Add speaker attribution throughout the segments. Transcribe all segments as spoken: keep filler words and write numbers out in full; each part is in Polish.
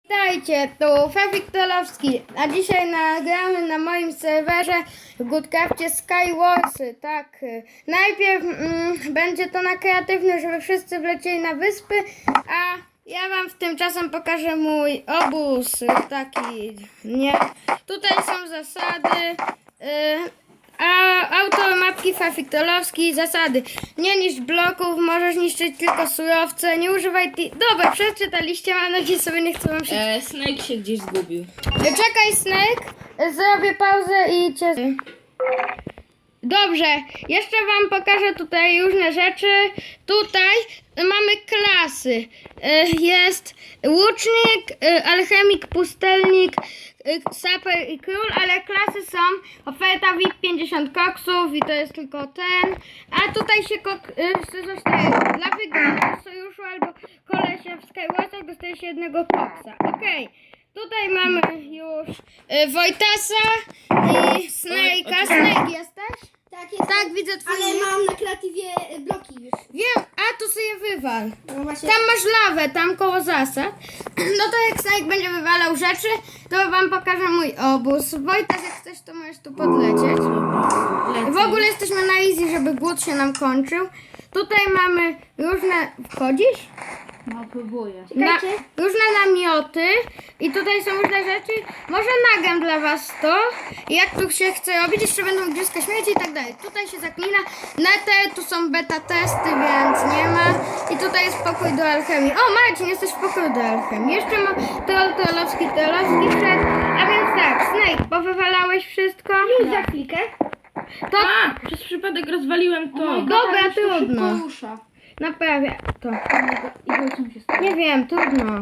Speaker 1: Witajcie, tu Fefik Tolowski, a dzisiaj nagramy na moim serwerze w Goodcrafcie Skywarsy. Tak, najpierw mm, będzie to na kreatywny, żeby wszyscy wlecieli na wyspy, a ja wam w tym czasem pokażę mój obóz, taki, nie, tutaj są zasady, yy, a autor mapki Fefik Tolowski, zasady: nie niszcz bloków, możesz niszczyć tylko surowce, nie używaj ti... Dobra, przeczytaliście, mam nadzieję, sobie nie chcę wam przeczytać.
Speaker 2: E, Snake się gdzieś zgubił.
Speaker 1: Czekaj, Snake, zrobię pauzę i cię... Dobrze, jeszcze wam pokażę tutaj różne rzeczy. Tutaj mamy klasy. Jest łucznik, alchemik, pustelnik, saper i król, ale klasy są oferta V I P pięćdziesiąt koksów i to jest tylko ten. A tutaj się kok, zostaje dla wygranych sojuszu albo kolesia w Skywarsach dostaje się jednego koksa. Okej. Okay. Tutaj mamy już y, Wojtasa i Snake'a. Snake jesteś?
Speaker 3: Tak, jest.
Speaker 1: Tak, widzę twój
Speaker 3: Ale
Speaker 1: nick.
Speaker 3: mam na kreatywie y, bloki już.
Speaker 1: Wiem, a tu sobie wywal.
Speaker 3: No właśnie.
Speaker 1: Tam masz lawę, tam koło zasad. No to jak Snake będzie wywalał rzeczy, to wam pokażę mój obóz. Wojtas, jak chcesz, to możesz tu podlecieć. W ogóle jesteśmy na easy, żeby głód się nam kończył. Tutaj mamy różne... Wchodzisz?
Speaker 2: No, próbuję.
Speaker 1: Na,
Speaker 3: Czekajcie.
Speaker 1: różne namioty i tutaj są różne rzeczy. Może nagram dla was to, jak tu się chce robić. Jeszcze będą igrzyska śmieci i tak dalej. Tutaj się zaklina nether, tu są beta testy, więc nie ma. I tutaj jest pokój do alchemii. O, Marcin, jesteś w pokoju do alchemii. Jeszcze ma troll Tolowski, Tolowski wszedł. A więc tak, Snake, powywalałeś wszystko?
Speaker 3: Już za chwilkę.
Speaker 1: To
Speaker 2: A! Przez przypadek rozwaliłem to.
Speaker 1: dobra, trudno.
Speaker 3: Rusza.
Speaker 1: Naprawię to.
Speaker 3: I co się stało?
Speaker 1: Nie wiem, trudno.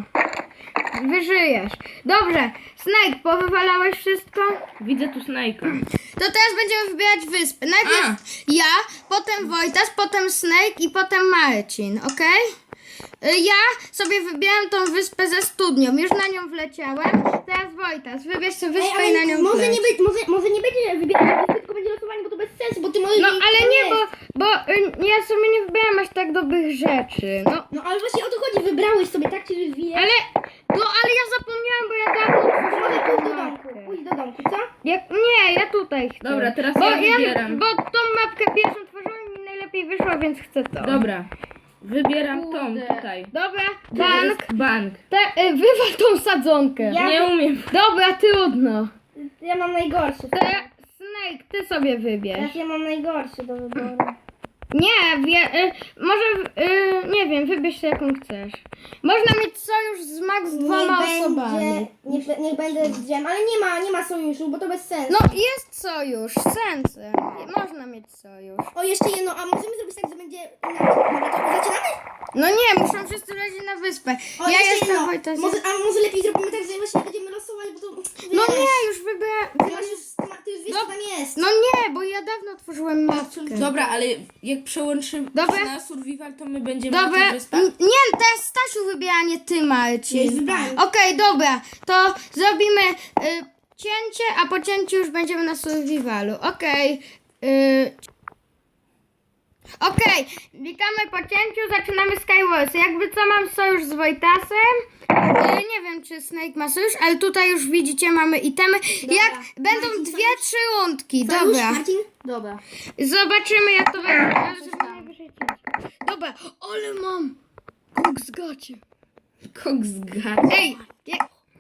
Speaker 1: Wyżyjesz. Dobrze, Snake, powywalałeś wszystko?
Speaker 2: Widzę tu Snake'a.
Speaker 1: To teraz będziemy wybierać wyspy. Najpierw
Speaker 2: A.
Speaker 1: ja, potem Wojtas, potem Snake i potem Marcin, okej? Okay? Ja sobie wybieram tą wyspę ze studnią. Już na nią wleciałem. Teraz Wojtas, wybierz sobie wyspę
Speaker 3: Ej,
Speaker 1: i na
Speaker 3: ale
Speaker 1: nią
Speaker 3: może
Speaker 1: wleć.
Speaker 3: nie, być, może, może nie będzie wybierać wyspy, tylko będzie losowanie, bo to bez sensu, bo ty możesz...
Speaker 1: No
Speaker 3: wiedzieć,
Speaker 1: ale
Speaker 3: co
Speaker 1: nie,
Speaker 3: jest.
Speaker 1: bo, bo y, ja sobie nie wybieram aż tak dobrych rzeczy. No,
Speaker 3: No ale właśnie o to chodzi, wybrałeś sobie, tak ci rozwijasz.
Speaker 1: ale, no ale ja zapomniałem, bo ja dawno
Speaker 3: Może
Speaker 1: otworzyłem
Speaker 3: pójść do
Speaker 1: tą
Speaker 3: domku,
Speaker 1: mapkę.
Speaker 3: pójdź do domku, co?
Speaker 1: Jak, nie, ja tutaj chcę.
Speaker 2: Dobra, teraz
Speaker 1: bo
Speaker 2: ja wybieram.
Speaker 1: Bo tą mapkę pierwszą tworzyłem i mi najlepiej wyszło, więc chcę to.
Speaker 2: Dobra. Wybieram tą
Speaker 3: Kurde.
Speaker 2: tutaj.
Speaker 1: Dobra,
Speaker 2: To
Speaker 1: bank.
Speaker 2: jest bank.
Speaker 1: Te, y, wywal tą sadzonkę.
Speaker 3: Ja-
Speaker 2: Nie umiem.
Speaker 1: Dobra, trudno.
Speaker 3: Ja mam najgorszy.
Speaker 1: To ja, Snake, ty sobie wybierz.
Speaker 3: Teraz ja mam najgorszy do wyboru.
Speaker 1: Nie, wie, y, może, y, nie wiem, wybierz się jaką chcesz. Można mieć sojusz z max dwoma osobami.
Speaker 3: Niech, be- niech będę z dżem, ale nie ma, nie ma sojuszu, bo to bez sensu.
Speaker 1: No jest sojusz, sensy. Można mieć sojusz.
Speaker 3: O, jeszcze jedno, a możemy zrobić tak, że będzie... Dobra, to zaczynamy?
Speaker 1: No nie, muszą wszyscy lecieć na wyspę.
Speaker 3: O,
Speaker 1: Ja
Speaker 3: jeszcze
Speaker 1: jestem
Speaker 3: jedno.
Speaker 1: Wojtas.
Speaker 3: Może, a może lepiej zrobimy tak, że właśnie będziemy losować, bo to...
Speaker 1: No
Speaker 3: wiesz,
Speaker 1: nie, już wybrałem.
Speaker 3: Ty, masz już, ty ma- ty już wiesz,
Speaker 1: No-
Speaker 3: co tam jest.
Speaker 1: No nie, bo ja dawno otworzyłem mapkę.
Speaker 2: Dobra, ale jak przełączymy
Speaker 1: Dobra.
Speaker 2: na survival, to my będziemy na
Speaker 1: Dobra,
Speaker 2: tych wyspach.
Speaker 1: n- nie, teraz Stasiu wybiera, nie ty,
Speaker 3: Nie,
Speaker 1: Marcin.
Speaker 3: wybrałem.
Speaker 1: Okej, dobra, to zrobimy y, cięcie, a po cięciu już będziemy na survivalu. Okej. y, Okej, witamy po cięciu, zaczynamy Skywars. Jakby co, mam sojusz z Wojtasem. Y, nie wiem, czy Snake ma sojusz, ale tutaj już widzicie, mamy itemy. Jak będą
Speaker 3: Marcin,
Speaker 1: dwie,
Speaker 3: sojusz?
Speaker 1: trzy rundki,
Speaker 3: Sojusz,
Speaker 1: dobra.
Speaker 3: Marcin? Dobra.
Speaker 1: Zobaczymy, jak to będzie. Ale
Speaker 3: coś
Speaker 1: żeby
Speaker 3: tam.
Speaker 1: najwyżej cięcie. Dobra, ale mam koks gacie.
Speaker 2: Koks gad.
Speaker 1: Ej, je,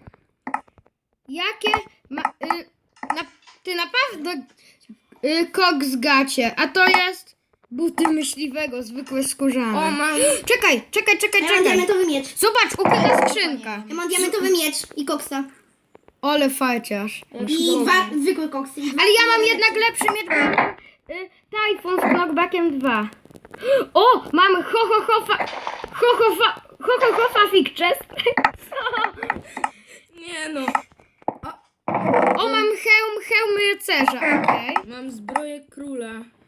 Speaker 1: jakie ma, y, na, ty naprawdę y, koks gacie, a to jest buty myśliwego, zwykłe skórzane.
Speaker 2: O, mam.
Speaker 1: Czekaj, czekaj, czekaj,
Speaker 3: Ja mam
Speaker 1: czekaj.
Speaker 3: diamentowy miecz.
Speaker 1: Zobacz, ukryta skrzynka.
Speaker 3: Ja mam diamentowy miecz i koksa.
Speaker 1: Ole fajciarz.
Speaker 3: I dwa zwykłe koksy. i dwa-
Speaker 1: Ale ja mam jednak lepszy miecz, bo ja mam y, Typhoon z knockbackiem dwa. O, mamy ho ho ho fa, ho ho fa, ho ho ho fa fig chest. Co?
Speaker 2: Nie no.
Speaker 1: O, mam hełm, hełm rycerza, okej.
Speaker 2: Mam zbroję króla.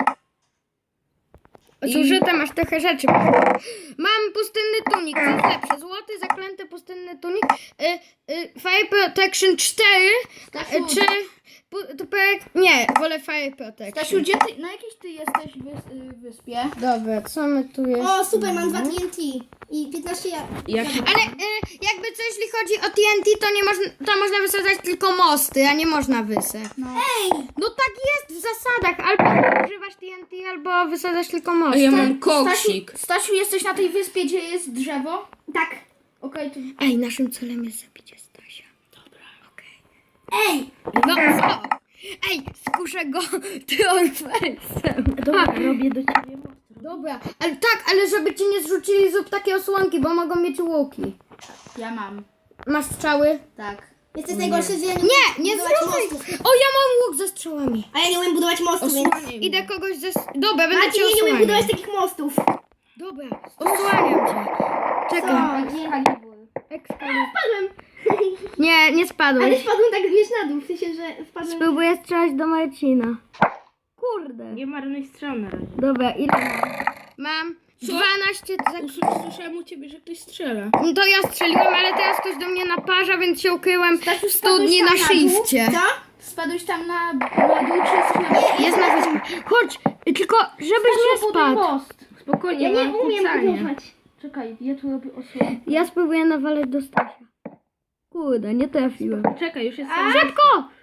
Speaker 1: Zużyte masz trochę rzeczy. Mam pustynny tunik, co jest lepsze? Złoty, zaklęty pustynny tunik. Y, y, Fire Protection cztery. Y, czy... pu- To projekt... Nie, wolę Fire Protection.
Speaker 4: Stasiu, gdzie ty, na jakiejś ty jesteś wys, y, wyspie?
Speaker 1: Dobra, co my tu jest?
Speaker 3: O, super, mam dwa T N T. I piętnaście ja...
Speaker 2: Jak...
Speaker 1: Ale y, jakby co, jeśli chodzi o T N T, to nie można, to można wysadzać tylko mosty, a nie można wysep.
Speaker 3: No. Ej!
Speaker 1: No tak jest w zasadach, albo używasz T N T, albo wysadzasz tylko
Speaker 2: A
Speaker 1: mosty.
Speaker 2: ja mam koksik.
Speaker 3: Stasiu, Stasiu, jesteś na tej wyspie, gdzie jest drzewo? Tak. Okej, to...
Speaker 1: Ej, naszym celem jest zabicie Stasia. Dobra, okej.
Speaker 3: Ej!
Speaker 1: No co? Ej, skuszę go triumfalsem.
Speaker 3: Dobra, robię do ciebie most.
Speaker 1: Dobra, ale tak, ale żeby ci nie zrzucili zrób takie osłonki, bo mogą mieć łuki.
Speaker 3: Ja mam.
Speaker 1: Masz strzały?
Speaker 3: Tak. Jesteś najgorszy, że ja nie
Speaker 1: Nie, nie
Speaker 3: budować
Speaker 1: zrzucaj!
Speaker 3: mostów.
Speaker 1: O, ja mam łuk ze strzałami.
Speaker 3: A ja nie umiem budować mostów, więc...
Speaker 2: Osłaniaj mnie.
Speaker 1: Idę kogoś ze... Dobra, będę
Speaker 3: Marcin,
Speaker 1: cię
Speaker 3: ja nie umiem budować
Speaker 1: osłaniał.
Speaker 3: takich mostów.
Speaker 1: Dobra, osłaniam cię. Czekaj.
Speaker 3: Gdzie Halibur?
Speaker 1: Excalibur.
Speaker 3: Spadłem.
Speaker 1: Nie, nie
Speaker 3: Ale
Speaker 1: spadłeś.
Speaker 3: spadłem tak wiesz na dół, w sensie, że spadłem...
Speaker 1: Spróbuję strzelać do Marcina. Kurde.
Speaker 2: Nie marnuj strzał na razie.
Speaker 1: Dobra, ile mam? Mam dwanaście sekund.
Speaker 2: Usłysz- Słyszałem u ciebie, że ktoś strzela.
Speaker 1: No to ja strzeliłem, ale teraz ktoś do mnie naparza, więc się ukryłem w studni na
Speaker 3: Spadłeś tam dół?
Speaker 1: shifcie.
Speaker 3: Co? Spadłeś tam na, na dół, czy jesteś na...
Speaker 1: Jest na wyspie. Chodź, tylko żebyś nie
Speaker 3: Buduj
Speaker 1: spadł.
Speaker 3: most.
Speaker 2: Spokojnie,
Speaker 3: Ja nie
Speaker 2: mam
Speaker 3: umiem
Speaker 2: kucanie.
Speaker 3: budować. Czekaj, ja tu robię osłonę.
Speaker 1: Ja spróbuję nawalać do Stasia. Kurde, nie trafiłem.
Speaker 2: Czekaj, już jest
Speaker 3: A!
Speaker 1: Szybko!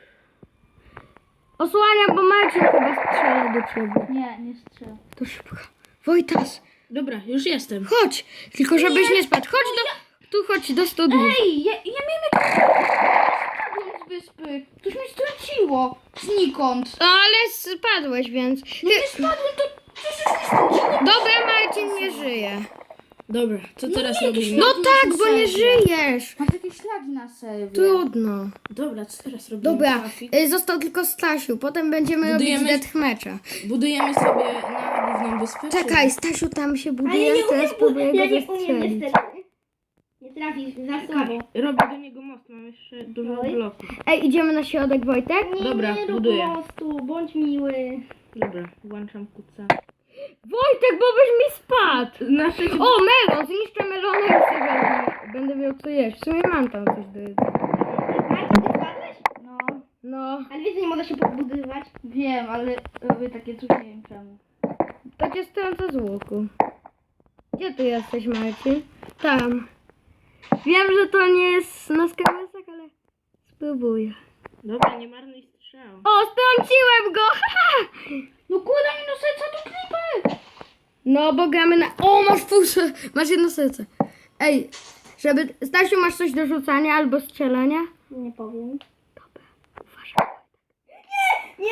Speaker 1: Osłaniam, bo Marcin chyba strzela do ciebie.
Speaker 3: Nie, nie strzelę.
Speaker 1: To szybko. Wojtas,
Speaker 2: Dobra, już jestem.
Speaker 1: chodź! Tylko żebyś nie spadł. Chodź do... Tu chodź do studni.
Speaker 3: Ej, ja, ja miałem jakieś... Spadłem z wyspy. Coś mi strąciło. Znikąd.
Speaker 1: No ale spadłeś, więc...
Speaker 3: No nie spadłem, to coś mi strąciło.
Speaker 1: Dobra, Marcin nie żyje.
Speaker 2: Dobra, co teraz
Speaker 3: nie,
Speaker 2: robimy?
Speaker 1: No
Speaker 3: Marcin
Speaker 1: tak,
Speaker 3: jest
Speaker 1: bo nie
Speaker 3: w serwie.
Speaker 1: żyjesz.
Speaker 3: Mam takie ślagi na serwie.
Speaker 1: Trudno.
Speaker 2: Dobra, co teraz robimy?
Speaker 1: Dobra,
Speaker 2: Trafik?
Speaker 1: y, został tylko Stasiu. Potem będziemy
Speaker 2: Budujemy-
Speaker 1: robić deathmatcha.
Speaker 2: Budujemy sobie na główną wyspę? czy-
Speaker 1: Czekaj, Stasiu tam się
Speaker 3: Ale
Speaker 1: buduje,
Speaker 3: ja nie
Speaker 1: teraz
Speaker 3: umiem,
Speaker 1: spróbuję
Speaker 3: ja
Speaker 1: go
Speaker 3: nie umiem
Speaker 1: zastrzelić.
Speaker 3: niestety. Nie trafisz, za słabo.
Speaker 2: Robię do niego most, mam jeszcze dużo
Speaker 3: Oj.
Speaker 2: bloków.
Speaker 1: Ej, idziemy na środek, Wojtek?
Speaker 3: Nie,
Speaker 2: Dobra,
Speaker 3: nie rób
Speaker 2: buduję.
Speaker 3: mostu, bądź miły.
Speaker 2: Dobra, włączam kuca.
Speaker 1: Wojtek, bo byś mi spadł!
Speaker 2: Znaczy,
Speaker 1: O, melon! Zniszczę melona i sobie wezmę. Będę miał co jeść. W sumie mam tam coś do jedzenia.
Speaker 3: Marcin, ty spadłeś? No.
Speaker 1: No,
Speaker 3: Ale wiesz, że nie można się podbudowywać? Wiem, ale robię takie coś, nie wiem czemu.
Speaker 1: to cię strącę z łuku. Gdzie ty jesteś, Marcin? Tam. Wiem, że to nie jest na skarbesach, ale spróbuję.
Speaker 2: dobra, nie marnuj strzał.
Speaker 1: O, strąciłem go!
Speaker 3: No kurde mi no serca do klipy!
Speaker 1: No, bo gramy na... O, masz pół ser- Masz jedno serce. Ej, żeby... Stasiu, masz coś do rzucania albo strzelania?
Speaker 3: Nie powiem.
Speaker 1: Uważaj.
Speaker 3: Nie!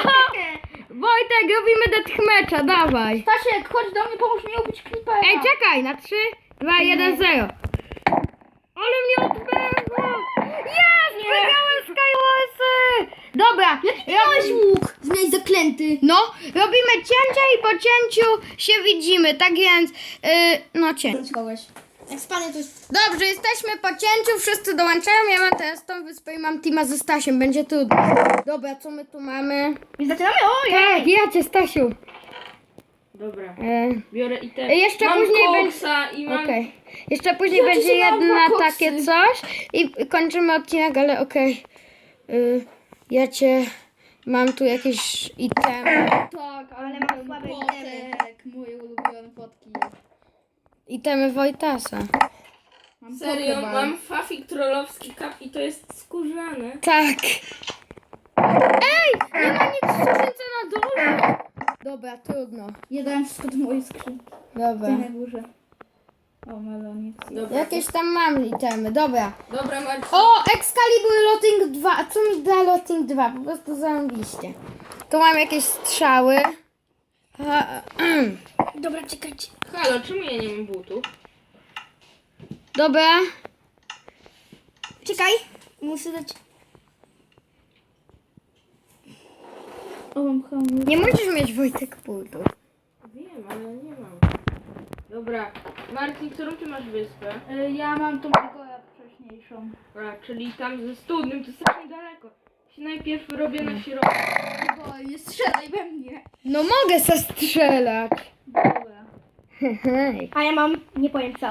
Speaker 1: Wojtek, robimy deathmatcha, dawaj.
Speaker 3: Stasiek, chodź do mnie, pomóż mi ubić klipę.
Speaker 1: Ej, czekaj, na trzy, dwa, jeden, zero. Ale mnie odpędzło! Jest! Wygrałem Skywarsy! Dobra,
Speaker 3: Jaki miałeś łuk? Zmieniać zaklęty.
Speaker 1: no, robimy cięcia i po cięciu się widzimy, tak więc, yy, no cięcie.
Speaker 3: kogoś. Jak spadnie to jest...
Speaker 1: Dobrze, jesteśmy po cięciu, wszyscy dołączają, ja mam teraz tą wyspę i mam teama ze Stasiem, będzie trudno. Dobra, co my tu mamy?
Speaker 3: I zaczynamy? Ojej!
Speaker 1: Tak, ja cię, Stasiu.
Speaker 2: Dobra,
Speaker 1: E,
Speaker 2: biorę i te...
Speaker 1: Jeszcze
Speaker 2: mam
Speaker 1: później
Speaker 2: koksa i mam...
Speaker 1: Okej. Jeszcze później
Speaker 3: Ja
Speaker 1: będzie
Speaker 3: dzisiaj miałam
Speaker 1: jedna
Speaker 3: dwa koksy.
Speaker 1: takie coś i kończymy odcinek, ale okej. Y, ja cię... Mam tu jakieś itemy.
Speaker 3: Tak, ale mam słabe itemy. Moje ulubione fotki.
Speaker 1: Itemy Wojtasa.
Speaker 3: Mam
Speaker 2: Serio,
Speaker 3: pokeball.
Speaker 2: mam fafik trollowski kap i to jest skórzane.
Speaker 1: Tak. Ej! Nie ma nic w skrzynce na dole. Dobra, trudno.
Speaker 3: Ja dałem wszystko do mojej skrzynki.
Speaker 1: Dobra.
Speaker 3: Tutaj na górze. O, melonik.
Speaker 2: Dobra,
Speaker 1: Jakieś tam mam itemy, dobra.
Speaker 2: dobra Marcin.
Speaker 1: O, Excalibur Lotting dwa. A co mi da Lotting dwa? Po prostu zarąbiście. Tu mam jakieś strzały. A,
Speaker 3: Dobra, czekajcie.
Speaker 2: Halo, czemu ja nie mam butów?
Speaker 1: dobra.
Speaker 3: Czekaj. Muszę dać... O, mam hamur.
Speaker 1: Nie musisz mieć Wojtek butów.
Speaker 2: Wiem, ale nie mam. Dobra, Marcin, którą ty masz wyspę?
Speaker 3: Y, Ja mam tą Igora wcześniejszą.
Speaker 2: A, czyli tam ze studnym, to strasznie daleko. Się najpierw robię na środku.
Speaker 3: Igor, nie strzelaj we mnie.
Speaker 1: No mogę zastrzelać.
Speaker 3: Dobra.
Speaker 1: Hej.
Speaker 3: A ja mam, nie powiem co.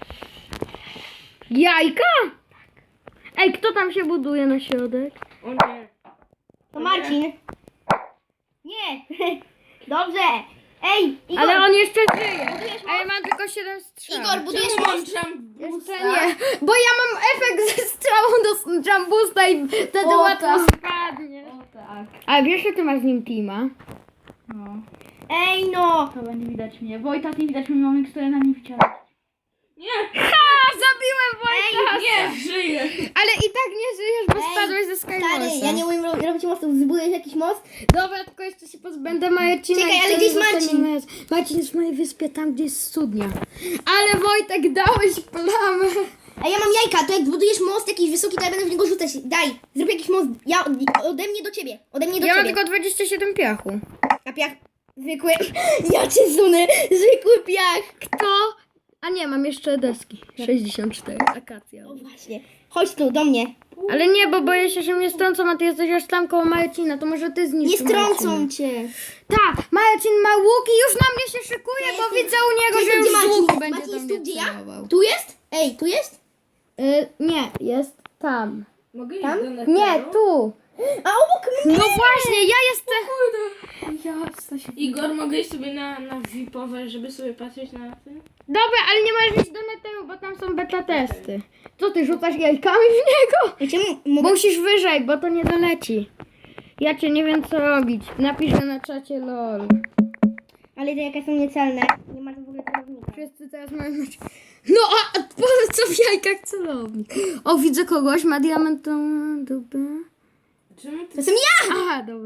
Speaker 1: Jajka? Ej, kto tam się buduje na środek?
Speaker 2: O nie.
Speaker 3: To Marcin. Nie. Dobrze. Ej, Igor,
Speaker 1: Ale on jeszcze żyje.
Speaker 3: Budujesz
Speaker 1: A ja mam tylko siedem strzał.
Speaker 3: Igor, budujesz
Speaker 2: Czemu mam
Speaker 3: most?
Speaker 2: jumbusa?
Speaker 1: Jeszcze nie, bo ja mam efekt ze strzałą do jumbusta i wtedy
Speaker 3: O,
Speaker 1: łatwo
Speaker 3: tak.
Speaker 1: spadnie.
Speaker 3: O tak.
Speaker 1: A wiesz, że ty masz z nim teama?
Speaker 3: No. Ej no! Chyba nie widać mnie. Wojta, nie widać mnie, mam stoję na nim wciąż.
Speaker 2: Nie,
Speaker 1: Ha! Zabiłem Wojtka!
Speaker 2: nie, żyję.
Speaker 1: Ale i tak nie żyjesz, bo
Speaker 3: Ej,
Speaker 1: spadłeś ze
Speaker 3: Stary,
Speaker 1: Skywalsa.
Speaker 3: ja nie umiem ro- robić mostów. Zbudujesz jakiś most?
Speaker 1: Dobra, tylko jeszcze się pozbędę Marcina.
Speaker 3: Czekaj,
Speaker 1: i
Speaker 3: ale
Speaker 1: wtedy
Speaker 3: gdzie jest
Speaker 1: zostaniemy
Speaker 3: Marcin?
Speaker 1: razem. Marcin jest w mojej wyspie, tam gdzie jest studnia. Ale Wojtek, dałeś plamę.
Speaker 3: A ja mam jajka, to jak zbudujesz most jakiś wysoki, to ja będę w niego rzucać. Daj, zrób jakiś most. Ja, ode mnie do ciebie. Ode mnie do
Speaker 1: Ja mam
Speaker 3: ciebie.
Speaker 1: tylko dwadzieścia siedem piachu.
Speaker 3: A piach zwykły. Ja cię zunę. Zwykły piach.
Speaker 1: Kto? A nie, mam jeszcze deski. sześćdziesiąt cztery, akacja.
Speaker 3: O właśnie. Chodź tu, do mnie.
Speaker 1: Ale nie, bo boję się, że mnie strącą, a ty jesteś aż tam koło Marcina, to może ty
Speaker 3: Nie
Speaker 1: zniszczysz
Speaker 3: strącą
Speaker 1: Marcina.
Speaker 3: cię.
Speaker 1: Tak, Marcin ma łuk i już na mnie się szykuje,
Speaker 3: Ja
Speaker 1: bo
Speaker 3: jestem-
Speaker 1: widzę u niego,
Speaker 3: Gdzie
Speaker 1: że już z
Speaker 3: Marcin
Speaker 1: łuku
Speaker 3: jest?
Speaker 1: będzie
Speaker 3: Marcin
Speaker 1: do
Speaker 3: jest
Speaker 1: mnie
Speaker 3: tu, gdzie ja?
Speaker 1: celował.
Speaker 3: Tu jest? Ej, tu jest?
Speaker 1: Y, nie, jest tam.
Speaker 2: Mogę iść
Speaker 3: Tam?
Speaker 2: do Netheru?
Speaker 1: Nie, tu.
Speaker 3: A obok mnie.
Speaker 1: No właśnie, ja jestem...
Speaker 3: Jasne się.
Speaker 2: Igor, mogę iść sobie na, na V I P-owe, żeby sobie patrzeć na tym?
Speaker 1: Dobra, ale nie możesz iść do Netheru, bo tam są beta testy. Co ty, rzucasz jajkami w niego?
Speaker 3: Ja cię mogę...
Speaker 1: Musisz wyżej, bo to nie doleci. Ja cię nie wiem co robić. Napiszę na czacie lol.
Speaker 3: Ale te jajka są niecelne. Nie ma tu w ogóle celownika.
Speaker 1: Wszyscy teraz mają mieć... No a a po co w jajkach celownik? O, widzę kogoś, ma diamentową dupę.
Speaker 2: Czemu
Speaker 3: To
Speaker 2: ty...
Speaker 3: jestem ja!
Speaker 1: Aha, dobra.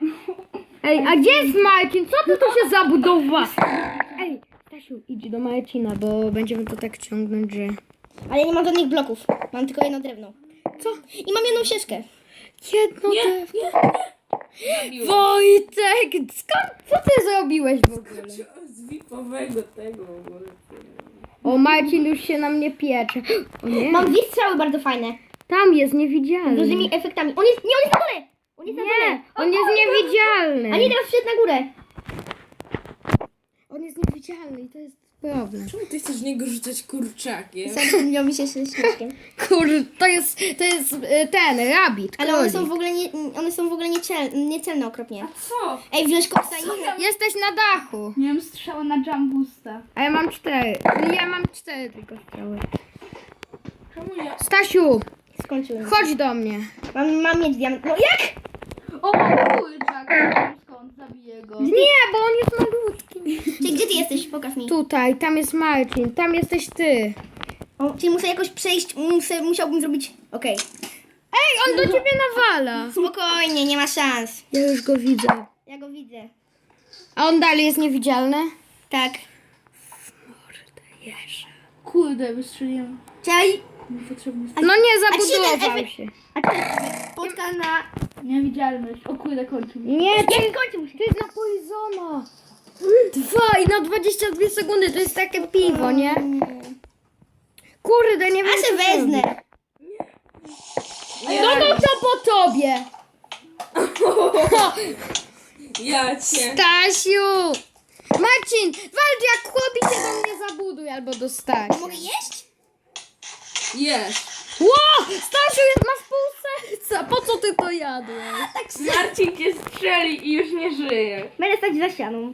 Speaker 1: Ej, a gdzie jest Marcin? Co ty tu się zabudowa? Ej, Stasiu, idź do Marcina, bo będziemy to tak ciągnąć, że...
Speaker 3: Ale ja nie mam żadnych bloków. Mam tylko jedno drewno.
Speaker 1: Co?
Speaker 3: I mam jedną ścieżkę.
Speaker 1: Jedno
Speaker 2: Nie,
Speaker 1: te...
Speaker 2: nie, nie. Zabiłem.
Speaker 1: Wojtek, skąd, co ty zrobiłeś w ogóle?
Speaker 2: Z V I P-owego tego w ogóle.
Speaker 1: O, Marcin już się na mnie piecze. O nie,
Speaker 3: Mam dwie strzały bardzo fajne.
Speaker 1: tam jest
Speaker 3: Z
Speaker 1: niewidzialny.
Speaker 3: różnymi efektami. On jest... Nie, on jest na dole! On jest na dole!
Speaker 1: Nie, on jest niewidzialny.
Speaker 3: A nie, teraz wszedł na górę.
Speaker 1: On jest niewidzialny i to jest problem.
Speaker 2: Czemu ty chcesz w niego rzucać kurczakiem?
Speaker 3: Zapomniał mi się z śmieszkiem.
Speaker 1: Kurde, to jest, to jest y, ten, rabbit,
Speaker 3: Ale one
Speaker 1: królik.
Speaker 3: są w ogóle, nie, one są w ogóle niecel, niecelne okropnie.
Speaker 2: Co?
Speaker 3: Ej, wziąć koksa i...
Speaker 1: Jesteś na dachu.
Speaker 3: Miałem strzałę na jumbusta.
Speaker 1: A ja mam cztery. Ja mam cztery tylko strzały.
Speaker 2: Czemu ja?
Speaker 1: Stasiu,
Speaker 3: Skończyłem.
Speaker 1: chodź do mnie.
Speaker 3: Mam, mam mieć diament. No jak?
Speaker 4: O, kurczak, nie wiem skąd, zabiję go.
Speaker 1: Nie, bo on jest malutki.
Speaker 3: Czyli gdzie ty jesteś? Pokaż mi.
Speaker 1: Tutaj, tam jest Marcin, tam jesteś ty.
Speaker 3: O, czyli muszę jakoś przejść, muszę, musiałbym zrobić... Okej.
Speaker 1: Ej, on do ciebie nawala.
Speaker 3: Spokojnie, nie ma szans.
Speaker 1: Ja już go widzę.
Speaker 3: Ja go widzę.
Speaker 1: A on dalej jest niewidzialny?
Speaker 3: Tak.
Speaker 4: Kurde, wystrzeliłem.
Speaker 3: Czekaj.
Speaker 4: Niepotrzebny.
Speaker 1: No nie,
Speaker 3: A ci się ten
Speaker 1: zabudował
Speaker 3: efekt-
Speaker 1: się.
Speaker 3: A ty spotka na...
Speaker 4: Niewidzialność. O kurde, kończy mi.
Speaker 1: Nie, to,
Speaker 3: Jak kończy mu się?
Speaker 1: to jest na Poisona. Dwa i na dwadzieścia dwie sekundy, to jest takie piwo, nie? Kurde, nie wiem
Speaker 3: A się
Speaker 1: co zrobić.
Speaker 3: wezmę.
Speaker 1: No to co po tobie?
Speaker 2: Ja cię.
Speaker 1: Stasiu! Marcin, walcz jak chłopi się do mnie zabuduj albo do Stasia.
Speaker 3: Mogę jeść?
Speaker 2: Jest.
Speaker 1: Ło! Stasiu, jest, masz pół serca. Po co ty to jadłeś?
Speaker 2: Marcin cię strzeli i już nie żyje.
Speaker 3: Będę stać za ścianą.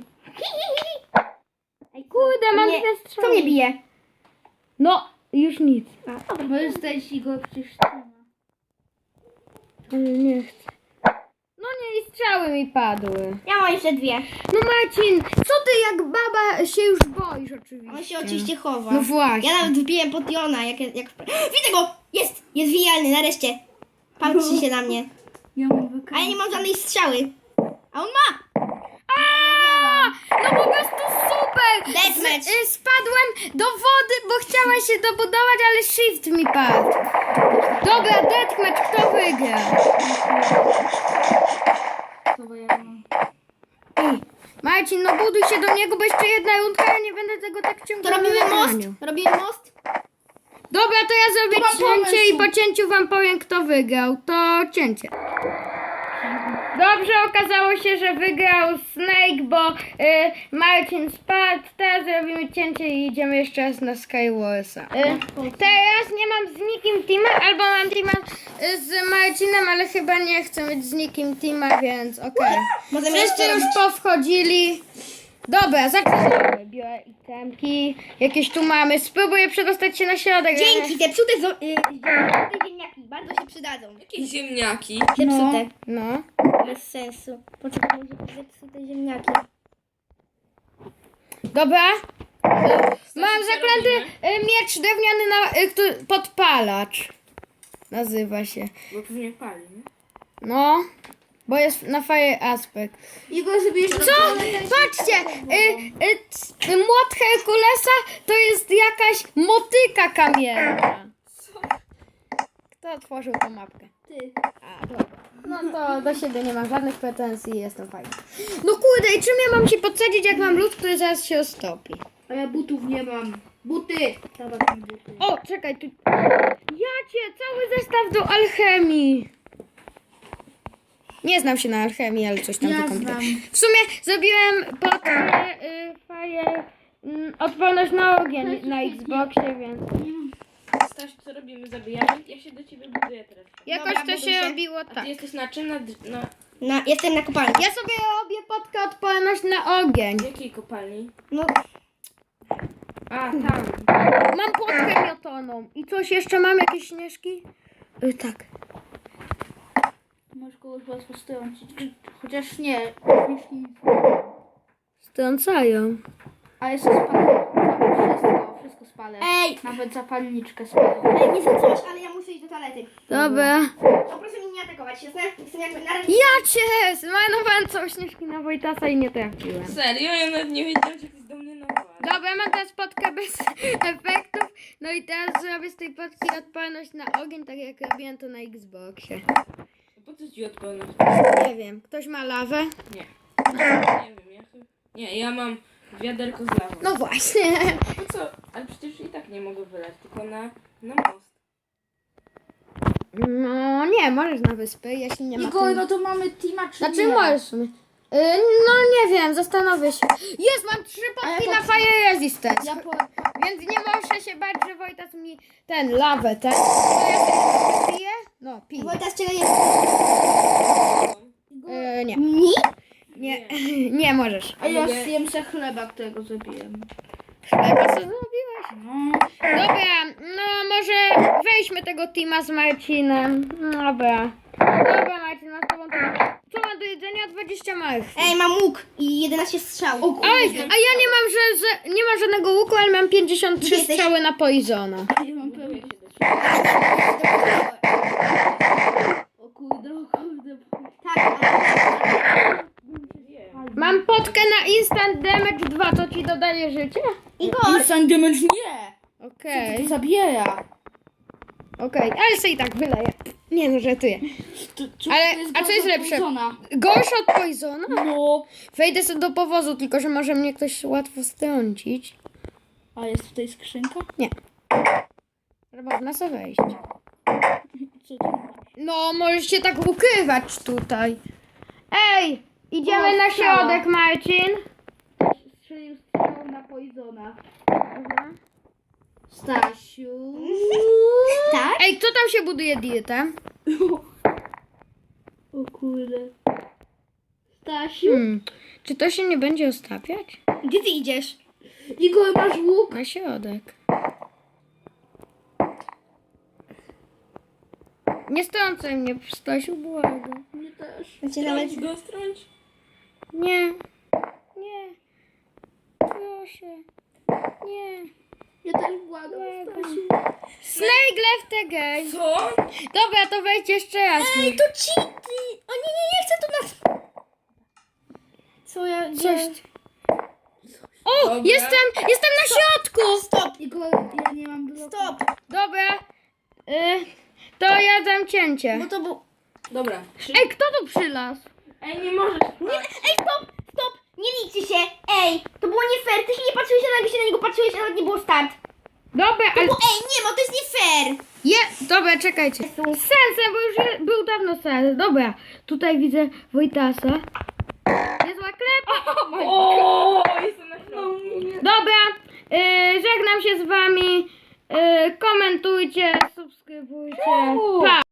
Speaker 3: Ej,
Speaker 1: Kurde, mam
Speaker 3: nie,
Speaker 1: dwie strzały.
Speaker 3: Co mnie bije?
Speaker 1: No, już nic.
Speaker 4: Możesz stać i go przecież trzyma.
Speaker 1: Ale nie chcę. No nie, i strzały mi padły.
Speaker 3: Ja mam jeszcze dwie.
Speaker 1: No Marcin, co ty jak baba się już boisz oczywiście.
Speaker 3: On się oczywiście chowa.
Speaker 1: No właśnie.
Speaker 3: Ja nawet wbiłem pod Jona, jak... jak... Widzę go! Jest! Jest wijalny, nareszcie. Patrzy się na mnie.
Speaker 4: Ja mam wykręcę.
Speaker 3: A ja nie mam żadnej strzały. A on ma!
Speaker 1: A, no po prostu super!
Speaker 3: Deathmatch.
Speaker 1: Z, y, spadłem do wody, bo chciała się dobudować, ale shift mi padł. Dobra, deathmatch, kto wygra?
Speaker 4: To ja mam.
Speaker 1: Ej, Marcin, no buduj się do niego, bo jeszcze jedna rundka, ja nie będę tego tak
Speaker 3: To
Speaker 1: ciągnął.
Speaker 3: robimy
Speaker 1: na
Speaker 3: most?
Speaker 1: nagraniu.
Speaker 3: Robimy most?
Speaker 1: Dobra, to ja zrobię
Speaker 4: To mam
Speaker 1: cięcie i
Speaker 4: pomysł.
Speaker 1: po cięciu wam powiem, kto wygrał. To cięcie. Dobrze, okazało się, że wygrał Snake, bo y, Marcin spadł. Teraz zrobimy cięcie i idziemy jeszcze raz na Skywarsa. Y, teraz nie mam z nikim teama, albo mam teama y, z Marcinem, ale chyba nie chcę mieć z nikim teama, więc okej.
Speaker 3: Możemy
Speaker 1: Wszyscy
Speaker 3: jeszcze
Speaker 1: już
Speaker 3: robić...
Speaker 1: powchodzili. Dobra, zaczynamy. Biorę itemki. Jakieś tu mamy. Spróbuję przedostać się na środek.
Speaker 3: Dzięki, te psute, zo- y, zepsute ziemniaki bardzo się przydadzą.
Speaker 2: Jakieś ziemniaki.
Speaker 3: Zepsute.
Speaker 1: No.
Speaker 3: Bez sensu. Poczekaj, może zepsute ziemniaki.
Speaker 1: Dobra. Mam
Speaker 2: co
Speaker 1: zaklęty
Speaker 2: robimy?
Speaker 1: y, miecz drewniany na, y, który- podpalacz. Nazywa się.
Speaker 2: Bo pewnie pali, nie?
Speaker 1: No. Bo jest na fire aspect.
Speaker 4: Igor, żebyś...
Speaker 1: Co? Patrzcie! Y, y, c- młot Herkulesa to jest jakaś motyka kamienna. Kto otworzył tą mapkę?
Speaker 3: Ty.
Speaker 1: A, dobra. No to do siebie nie mam żadnych pretensji i jestem fajny. No kurde, i czym ja mam się podsadzić, jak mam lód, który zaraz się roztopi?
Speaker 4: A ja butów nie mam. Buty! Dawaj mi buty.
Speaker 1: O, czekaj, tu... Jacie, cały zestaw do alchemii. Nie znam się na alchemii, ale coś tam
Speaker 4: Ja
Speaker 1: wykomputuję.
Speaker 4: znam.
Speaker 1: W sumie zrobiłem pod y, fire y, odporność na ogień na Xboxie, więc
Speaker 2: Staś, co robimy? Zabijamy? Ja się do ciebie buduję teraz.
Speaker 1: jakoś
Speaker 3: Dobra,
Speaker 1: to
Speaker 3: buduj
Speaker 1: się
Speaker 3: się.
Speaker 1: robiło
Speaker 2: A ty
Speaker 1: tak.
Speaker 2: jesteś na czym? Na, na
Speaker 3: Na, jestem na kopalni.
Speaker 1: Ja sobie robię podkę odporność na ogień.
Speaker 2: jakiej kopalni?
Speaker 3: No,
Speaker 2: A, tam.
Speaker 1: Mam płotkę miotoną. I coś jeszcze mam? Jakieś śnieżki? Y, tak.
Speaker 4: Możesz kogoś łatwo strącić. Chociaż nie. Jeśli...
Speaker 1: Strącają.
Speaker 4: A jeszcze spalę. Wszystko, wszystko spalę.
Speaker 3: Ej!
Speaker 4: Nawet zapalniczkę spalę.
Speaker 3: Ej, nie wiem coś, ale ja muszę iść do toalety.
Speaker 1: Dobra.
Speaker 3: To proszę mnie nie atakować, jasne? Jestem jakby na razie.
Speaker 1: Ja cię! Zmarnowałem całą śnieżki na Wojtasa i nie trafiłem.
Speaker 2: Serio? Ja nawet nie wiedziałam, że ktoś do mnie nawala.
Speaker 1: Dobra, mam teraz podkę bez efektów. No i teraz zrobię z tej podki odporność na ogień, tak jak robiłem to na Xboxie.
Speaker 2: Po co ci odpełnić?
Speaker 1: Nie wiem, ktoś ma lawę?
Speaker 2: Nie. Nie wiem, ja chyba... Nie, ja mam wiaderko z lawą.
Speaker 1: No właśnie.
Speaker 2: Po co? Ale przecież i tak nie mogę wylać, tylko na, na most.
Speaker 1: No nie, możesz na wyspy, jeśli nie ma...
Speaker 4: Igor,
Speaker 1: tu-
Speaker 4: no to mamy teama czy
Speaker 1: Znaczy
Speaker 4: nie?
Speaker 1: możesz w sumie. Y, No nie wiem, zastanowię się. Jest, mam trzy podki
Speaker 4: A ja
Speaker 1: na Fire Resistance.
Speaker 4: Ja po...
Speaker 1: Więc nie muszę się bać, że Wojtas mi ten lawę, ten. To ja sobie piję? No, piję.
Speaker 3: Wojtas, czego jest?
Speaker 1: Y, nie.
Speaker 3: Mi?
Speaker 1: Nie, nie możesz.
Speaker 4: A ja
Speaker 2: Ale-
Speaker 4: zjem se chleba, którego zrobiłem.
Speaker 1: Chleba co zrobiłeś?
Speaker 4: No.
Speaker 1: Dobra, no może weźmy tego teama z Marcinem. Dobra. Dobra Marcin, masz tobą to... Co ma do jedzenia? dwadzieścia marchwi.
Speaker 3: Ej, mam łuk i jedenaście strzał.
Speaker 4: O kurde.
Speaker 1: Oj, a ja nie mam, że, że nie mam żadnego łuku, ale mam pięćdziesiąt trzy
Speaker 3: Gdzie jesteś?
Speaker 1: strzały na Poisona.
Speaker 4: Ja mam
Speaker 2: Buduję
Speaker 4: pełno.
Speaker 2: się do ciebie.
Speaker 4: O kurde, o kurde.
Speaker 3: Tak, ale...
Speaker 1: Mam potkę na Instant Damage dwa, co ci dodaje życie?
Speaker 3: Igor!
Speaker 4: Instant damage nie!
Speaker 1: Okej,
Speaker 4: To zabiera.
Speaker 1: okej, ale sobie i tak wyleję. Nie no, żartuję.
Speaker 4: To, to
Speaker 1: Ale-
Speaker 4: to
Speaker 1: a co jest
Speaker 4: gorsze od
Speaker 1: lepsze?
Speaker 4: Poisona.
Speaker 1: Gorsze od Poisona?
Speaker 4: No.
Speaker 1: Wejdę sobie do powozu, tylko że może mnie ktoś łatwo strącić.
Speaker 4: A jest tutaj skrzynka?
Speaker 1: Ale można sobie wejść.
Speaker 4: Co to?
Speaker 1: No, możesz się tak ukrywać tutaj. Ej, idziemy
Speaker 4: O,
Speaker 1: na
Speaker 4: strzała.
Speaker 1: środek, Marcin.
Speaker 4: Strzelił strzał na Poisona.
Speaker 1: Mhm.
Speaker 4: Stasiu.
Speaker 3: Tak?
Speaker 1: Ej, kto tam się buduje dietę?
Speaker 4: O kurde. Stasiu.
Speaker 1: Hmm, czy to się nie będzie ostatwiać?
Speaker 3: Gdzie ty idziesz?
Speaker 4: Igor, masz łuk?
Speaker 1: Na środek. Nie strącaj mnie, Stasiu, błagam.
Speaker 4: Mnie też.
Speaker 3: Macie nawet...
Speaker 2: Strąć go, strąć.
Speaker 1: Nie, nie, proszę, nie.
Speaker 4: Ja też błagam, Stasiu.
Speaker 1: Snake left again.
Speaker 2: Co?
Speaker 1: Dobra, to wejdź jeszcze raz.
Speaker 3: Ej, to cheaty! O nie, nie, nie chcę tu nas... Co ja...
Speaker 1: Coś.
Speaker 3: Gdzie?
Speaker 1: O,
Speaker 2: Dobra.
Speaker 1: jestem, jestem na środku.
Speaker 3: Stop!
Speaker 4: Igor, ja nie mam bloku.
Speaker 3: Stop!
Speaker 1: Dobra, y, to ja dam cięcie.
Speaker 3: Bo to był...
Speaker 2: Dobra.
Speaker 1: Ej, kto tu przylazł?
Speaker 2: Ej, nie możesz.
Speaker 3: Nie, ej, stop! Stop! Nie liczy się! Ej! To było nie fair! Ty się nie patrzyłeś, a nagle się na niego patrzyłeś, a nawet nie było start.
Speaker 1: Dobra, ale...
Speaker 3: Bo ej, nie ma, to jest nie fair!
Speaker 1: Je, dobra, czekajcie. Z sensem, bo już je, był dawno sens. Dobra, tutaj widzę Wojtasa. Niezła klep.
Speaker 2: O, jestem na środku.
Speaker 1: Dobra, y, żegnam się z wami. Y, komentujcie, subskrybujcie. Pa!